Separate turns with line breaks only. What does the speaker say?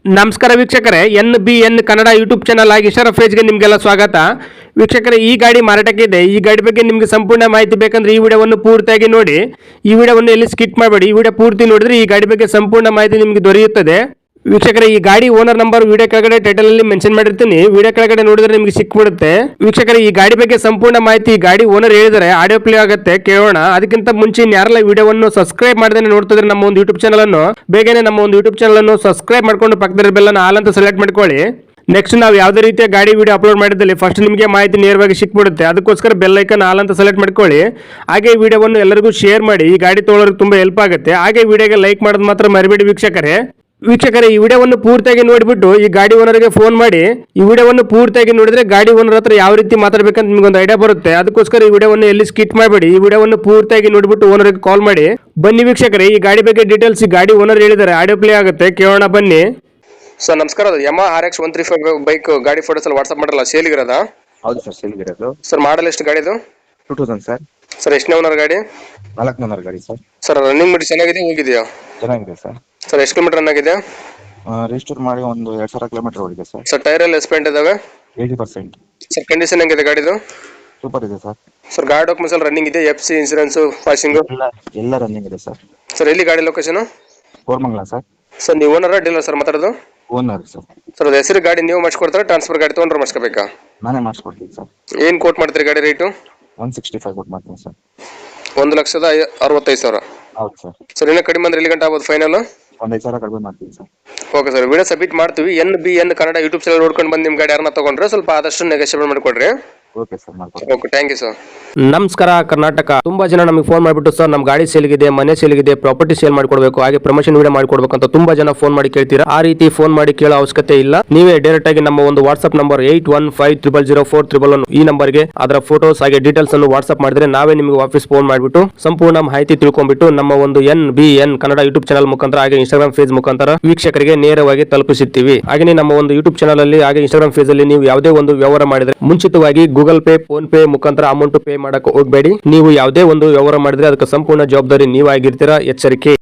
ನಮಸ್ಕಾರ ವೀಕ್ಷಕರೇ, NBN Kannada YouTube channel ಆಗಿ ಇಶಾರಾ ಫೇಜ್ಗೆ ನಿಮಗೆಲ್ಲ ಸ್ವಾಗತ. ವೀಕ್ಷಕರೇ, ಈ ಗಾಡಿ ಮಾರಾಟಕ್ಕೆ ಇದೆ. ಈ ಗಾಡಿ ಬಗ್ಗೆ ನಿಮಗೆ ಸಂಪೂರ್ಣ ಮಾಹಿತಿ ಬೇಕಂದ್ರೆ ಈ ವಿಡಿಯೋವನ್ನು ಪೂರ್ತಿಯಾಗಿ ನೋಡಿ. ಈ ವಿಡಿಯೋವನ್ನು ಎಲ್ಲಿ ಸ್ಕಿಪ್ ಮಾಡಬೇಡಿ. ಈ ವಿಡಿಯೋ ಪೂರ್ತಿ ನೋಡಿದ್ರೆ ಈ ಗಾಡಿ ಬಗ್ಗೆ ಸಂಪೂರ್ಣ ಮಾಹಿತಿ ನಿಮಗೆ ದೊರೆಯುತ್ತದೆ. ವೀಕ್ಷಕರೇ, ಈ ಗಾಡಿ ಓನರ್ ನಂಬರ್ ವಿಡಿಯೋ ಕೆಳಗಡೆ ಟೈಟಲ್ ಅಲ್ಲಿ ಮೆನ್ಷನ್ ಮಾಡಿರ್ತೀನಿ. ವಿಡಿಯೋ ಕೆಳಗಡೆ ನೋಡಿದ್ರೆ ನಿಮಗೆ ಸಿಕ್ಬಿಡುತ್ತೆ. ವೀಕ್ಷಕರೇ, ಈ ಗಾಡಿ ಬಗ್ಗೆ ಸಂಪೂರ್ಣ ಮಾಹಿತಿ ಗಾಡಿ ಓನರ್ ಹೇಳಿದರೆ ಆಡಿಯೋ ಪ್ಲೇ ಆಗುತ್ತೆ, ಕೇಳೋಣ. ಅದಕ್ಕಿಂತ ಮುಂಚೆ ಯಾರೆಲ್ಲ ವಿಡಿಯೋವನ್ನು ಸಬ್ಸ್ಕ್ರೈಬ್ ಮಾಡದೇ ನೋಡ್ತಿದ್ರೆ ನಮ್ಮ ಒಂದು ಯೂಟ್ಯೂಬ್ ಚಾನಲ್ ಅನ್ನು ಬೇಗನೆ ನಮ್ಮ ಒಂದು ಯೂಟ್ಯೂಬ್ ಚಾನಲ್ ಅನ್ನು ಸಬ್ಸ್ಕ್ರೈಬ್ ಮಾಡ್ಕೊಂಡು ಪಕ್ಕದ ಬೆಲ್ ಅನ್ನು ಆಲ್ ಅಂತ ಸೆಲೆಕ್ಟ್ ಮಾಡ್ಕೊಳ್ಳಿ. ನೆಕ್ಸ್ಟ್ ನಾವು ಯಾವುದೇ ರೀತಿಯ ಗಾಡಿ ವಿಡಿಯೋ ಅಪ್ಲೋಡ್ ಮಾಡಿದಲ್ಲಿ ಫಸ್ಟ್ ನಿಮಗೆ ಮಾಹಿತಿ ನೇರವಾಗಿ ಸಿಕ್ಬಿಡುತ್ತೆ. ಅದಕ್ಕೋಸ್ಕರ ಬೆಲ್ ಐಕನ್ ಆಲ್ ಅಂತ ಸೆಲೆಕ್ಟ್ ಮಾಡ್ಕೊಳ್ಳಿ. ಹಾಗೆ ಈ ವಿಡಿಯೋವನ್ನು ಎಲ್ಲರಿಗೂ ಶೇರ್ ಮಾಡಿ. ಈ ಗಾಡಿ ತೊಗೊಳೋರಿಗೆ ತುಂಬಾ ಹೆಲ್ಪ್ ಆಗುತ್ತೆ. ಹಾಗೆ ವಿಡಿಯೋಗೆ ಲೈಕ್ ಮಾಡೋದು ಮಾತ್ರ ಮರಿಬೇಡಿ ವೀಕ್ಷಕರೇ. ಈ ವಿಡಿಯೋವನ್ನು ಪೂರ್ತಿಯಾಗಿ ನೋಡಿಬಿಟ್ಟು ಈ ಗಾಡಿ ಓನರ್ಗೆ ಫೋನ್ ಮಾಡಿ. ಈ ವಿಡಿಯೋವನ್ನು ಪೂರ್ತಿಯಾಗಿ ನೋಡಿದ್ರೆ ಗಾಡಿ ಓನರ್ ಹತ್ರ ಯಾವ ರೀತಿ ಮಾತಾಡಬೇಕಂತ ನಿಮ್ಗೊಂದು ಐಡಿಯಾ ಬರುತ್ತೆ. ಅದಕ್ಕೋಸ್ಕರ ಈ ವಿಡಿಯೋವನ್ನು ಎಲ್ಲಿ ಸ್ಕಿಪ್ ಮಾಡಬೇಡಿ. ಈ ವಿಡಿಯೋವನ್ನು ಪೂರ್ತಿಯಾಗಿ ನೋಡಿಬಿಟ್ಟು ಓನರ್ಗೆ ಕಾಲ್ ಮಾಡಿ. ಬನ್ನಿ ವೀಕ್ಷಕರೇ, ಈ ಗಾಡಿ ಬಗ್ಗೆ ಡೀಟೇಲ್ಸ್ ಈ ಗಾಡಿ ಓನರ್ ಹೇಳಿದ್ದಾರೆ, ಆಡಿಯೋ ಪ್ಲೇ ಆಗುತ್ತೆ, ಕೇಳೋಣ ಬನ್ನಿ. ಸರ್ ನಮಸ್ಕಾರ, ಅದು ಯಮಾ RX 135 ಬೈಕ್ ಗಾಡಿ ಫೋಟೋಸ್ ಎಲ್ಲ ವಾಟ್ಸ್ಆಪ್ ಮಾಡಲ್ಲ, ಸೇಲಿಗಿರೋದಾ?
ಹೌದು ಸರ್, ಸೇಲ್ಗಿರೋದು.
ಸರ್ ಮಾಡಲ್ ಎಷ್ಟು ಗಾಡಿದು?
2000 ಸರ್.
ಸರ್ ಎಷ್ಟನೇ ಓನರ್ ಗಾಡಿ?
4ನೇ ಓನರ್ ಗಾಡಿ ಸರ್.
ಸರ್ ರನ್ನಿಂಗ್ ಮಾಡಿ ಚೆನ್ನಾಗಿದೆ, ಹೋಗಿದೆಯಾ?
ಚೆನ್ನಾಗಿದೆ ಸರ್.
ಸರ್ ಎಷ್ಟು ಕಿಲೋಮೀಟರ್ ರನ್ ಆಗಿದೆ?
ರಿಜಿಸ್ಟರ್ ಮಾಡಿ ಒಂದು 2000 ಕಿಲೋಮೀಟರ್ ಓಡಿದೆ ಸರ್.
ಸರ್ ಟೈರ್ ಎಲ್ಲ ಎಸ್ಪೆಂಟ್ ಇದಾವೆ?
80%.
ಸರ್ ಕಂಡೀಷನ್ ಹೆಂಗಿದೆ ಗಾಡಿದು?
ಸೂಪರ್ ಇದೆ ಸರ್.
ಸರ್ ಗಾಡಿ ಡಾಕ್ಯುಮೆಂಟ್ಸ್ ಎಲ್ಲ ರನ್ನಿಂಗ್ ಇದೆ? FC ಇನ್ಸೂರೆನ್ಸ್ ಪಾಸಿಂಗ್
ಎಲ್ಲ ರನ್ನಿಂಗ್ ಇದೆ ಸರ್.
ಸರ್ ಎಲ್ಲಿ ಗಾಡಿ ಲೊಕೇಶನ್?
ಕೋರ್ಮಂಗ್ಲ ಸರ್.
ಸರ್ ನೀವು ಓನರ್ ಡೀಲರ್ ಸರ್ ಮಾತಾಡೋದು?
Owner sir.
ಸರ್ ಅದು ಹೆಸರು ಗಾಡಿ ನೀವು ಮಾಡಿಸ್ಕೊಡ್ತಾರೆ, ಟ್ರಾನ್ಸ್ಫರ್ ಗಾಡಿ ತೊಗೊಂಡ್ರೆ ಮಾಡಿಸ್ಕೋಬೇಕಾ?
ನಾನೇ ಮಾಡಿಸ್ಕೊಡ್ತೀನಿ ಸರ್.
ಏನು ಕೋಟ್ ಮಾಡ್ತೀರಿ ಗಾಡಿ ರೇಟು?
165 ಕೊಟ್ಟು ಮಾಡ್ತೀನಿ ಸರ್.
1,65,000.
ಹೌದು ಸರ್.
ಸರ್ ಇನ್ನೂ ಕಡಿಮೆ ಅಂದ್ರೆ ಎಲ್ಲಿ ಗಂಟೆ ಆಗ್ಬೋದು ಫೈನಲ್?
ಒಂದು 5,000 ಕಡಿಮೆ ಮಾಡ್ತೀನಿ sir.
Okay sir, video submit ಮಾಡ್ತೀವಿ. NBN ಕನ್ನಡ ಯೂಟ್ಯೂಬ್ ಚಾನಲ್ ನೋಡ್ಕೊಂಡು ಬಂದು ನಿಮ್ಮ ಗಾಡಿ ಯಾರನ್ನ ತಗೊಂಡ್ರೆ ಸ್ವಲ್ಪ ಆದಷ್ಟು ನೆಗೋಷಿಯೇಟ್ ಮಾಡಿಕೊಡ್ರಿ.
ಓಕೆ ಸರ್, ಮಾಡ್ಕೊಡ್ತೀನಿ.
Okay, thank you sir. ನಮಸ್ಕಾರ ಕರ್ನಾಟಕ. ತುಂಬಾ ಜನ ನಮಗೆ ಫೋನ್ ಮಾಡಿಬಿಟ್ಟು ಸರ್ ನಮ್ಮ ಗಾಡಿ ಸೇಲ್ಗಿದೆ, ಮನೆ ಸೇಲ್ಗಿದೆ, ಪ್ರಾಪರ್ಟಿ ಸೇಲ್ ಮಾಡ್ಕೊಡ್ಬೇಕು, ಹಾಗೆ ಪ್ರಮೋಷನ್ ವಿಡಿಯೋ ಮಾಡ್ಕೊಡ್ಬೇಕು ಅಂತ ತುಂಬಾ ಜನ ಫೋನ್ ಮಾಡಿ ಕೇಳ್ತೀರಾ. ಆ ರೀತಿ ಫೋನ್ ಮಾಡಿ ಕೇಳೋ ಅವಶ್ಯಕತೆ ಇಲ್ಲ. ನೀವೇ ಡೈರೆಕ್ಟ್ ಆಗಿ ನಮ್ಮ ಒಂದು ವಾಟ್ಸ್ಆಪ್ ನಂಬರ್ 81500411 ಈ ನಂಬರ್ಗೆ ಅದರ ಫೋಟೋಸ್ ಹಾಗೆ ಡೀಟೇಲ್ಸ್ ಅನ್ನು ವಾಟ್ಸ್ಆಪ್ ಮಾಡಿದ್ರೆ ನಾವೇ ನಿಮಗೆ ವಾಪಸ್ ಫೋನ್ ಮಾಡಿಬಿಟ್ಟು ಸಂಪೂರ್ಣ ಮಾಹಿತಿ ತಿಳ್ಕೊಂಡ್ಬಿಟ್ಟು ನಮ್ಮ ಒಂದು NBN ಕನ್ನಡ ಯೂಟ್ಯೂಬ್ ಚಾನಲ್ ಮುಖಾಂತರ ಹಾಗೆ ಇನ್ಸ್ಟಾಗ್ರಾಮ್ ಫೇಸ್ ಮುಖಾಂತರ ವೀಕ್ಷಕರಿಗೆ ನೇರವಾಗಿ ತಲುಪಿಸುತ್ತೀವಿ. ಹಾಗೆ ನಮ್ಮ ಒಂದು ಯೂಟ್ಯೂಬ್ ಚಾನಲ್ ಅಲ್ಲಿ ಹಾಗೆ ಇನ್ಸ್ಟಾಗ್ರಾಮ್ ಫೇಸ್ ಅಲ್ಲಿ ನೀವು ಯಾವುದೇ ಒಂದು ವ್ಯವಹಾರ ಮಾಡಿದ್ರೆ ಮುಂಚಿತವಾಗಿ ಗೂಗಲ್ ಪೇ, ಫೋನ್ ಪೇ ಮುಖಾಂತರ ಅಮೌಂಟ್ ಪೇ ಮಾಡಕ್ಕೆ ಹೋಗಬೇಡಿ. ನೀವು ಯಾವುದೇ ಒಂದು ವ್ಯವಹಾರ ಮಾಡಿದ್ರೆ ಅದಕ್ಕೆ ಸಂಪೂರ್ಣ ಜವಾಬ್ದಾರಿ ನೀವಾಗಿರ್ತೀರಾ, ಎಚ್ಚರಿಕೆ.